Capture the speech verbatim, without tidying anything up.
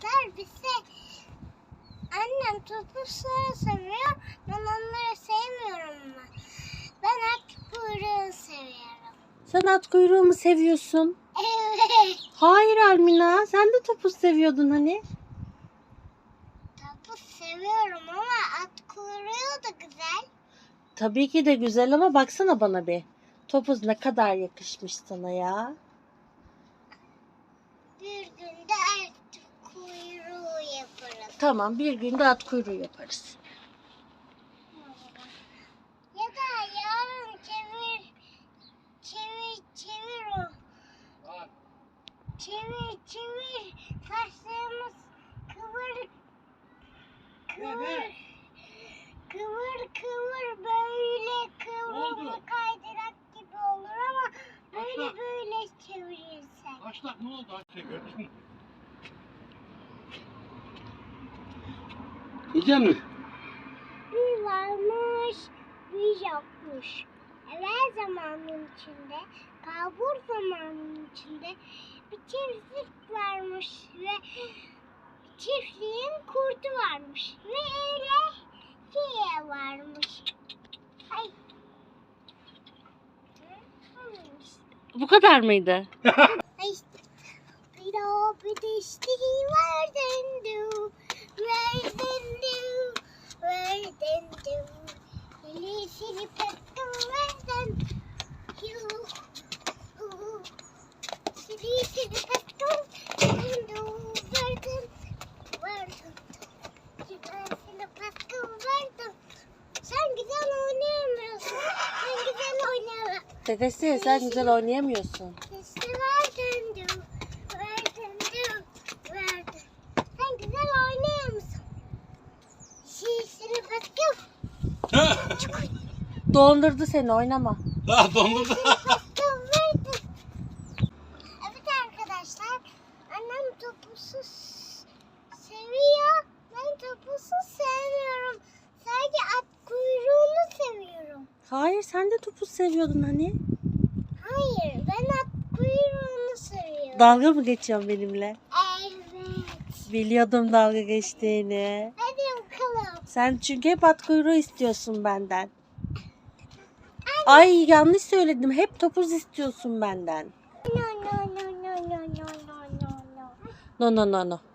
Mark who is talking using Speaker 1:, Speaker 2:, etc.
Speaker 1: arkadaşlar bize annem topuzları seviyor. Ben onları sevmiyorum ben. Ben at kuyruğu seviyorum.
Speaker 2: Sen at kuyruğu mu seviyorsun?
Speaker 1: Evet.
Speaker 2: Hayır Almina, sen de topuz seviyordun hani.
Speaker 1: Topuz seviyorum ama at kuyruğu da güzel.
Speaker 2: Tabii ki de güzel ama baksana bana bir. Topuz ne kadar yakışmış sana ya.
Speaker 1: Bir günde at kuyruğu yaparız.
Speaker 2: Tamam, bir günde at kuyruğu yaparız.
Speaker 1: Ya da yarın çevir, çevir, çevir o. Çevir, çevir. Saçlarımız kıvır, kıvır, kıvır, kıvır böyle kıvrımlı kaydırak gibi olur ama böyle
Speaker 3: Başla.
Speaker 1: böyle çevirirsen.
Speaker 3: Başlak ne oldu? Aç gördün. Yiyecek misin?
Speaker 1: Bir varmış, bir yokmuş. Evvel zamanın içinde, kalbur zamanın içinde bir çiftlik varmış ve çiftliğin kurdu varmış ve öyle şey varmış. Ay.
Speaker 2: Bu kadar mıydı?
Speaker 1: Ay. Bir o bir de işte verden du, verden du, verden du. Elini pektim verden du. Elini pektim du, verden, verden. Elini pektim verden. Sen güzel oynayamıyorsun. Sen güzel oynayamıyorsun.
Speaker 2: Dedesi, sen güzel oynayamıyorsun.
Speaker 1: İşte verdin diyor. Verdin diyor. Verdin. Sen güzel oynuyor musun? Şişini bakıp
Speaker 2: Dondurdu seni, oynama.
Speaker 3: Daha dondurdu.
Speaker 1: bakıp verdin. Evet arkadaşlar. Annem topusuz seviyor. Ben topusuz sevmiyorum. Sadece at kuyruğunu seviyorum.
Speaker 2: Hayır, sen de topuz seviyordun hani.
Speaker 1: Hayır, ben at kuyruğunu seviyorum.
Speaker 2: Dalga mı geçiyorsun benimle?
Speaker 1: Evet.
Speaker 2: Biliyordum dalga geçtiğini.
Speaker 1: Hadi bakalım.
Speaker 2: Sen çünkü hep at kuyruğu istiyorsun benden. Ay yanlış söyledim. Hep topuz istiyorsun benden.
Speaker 1: No no no no no no no no no.
Speaker 2: No no no no.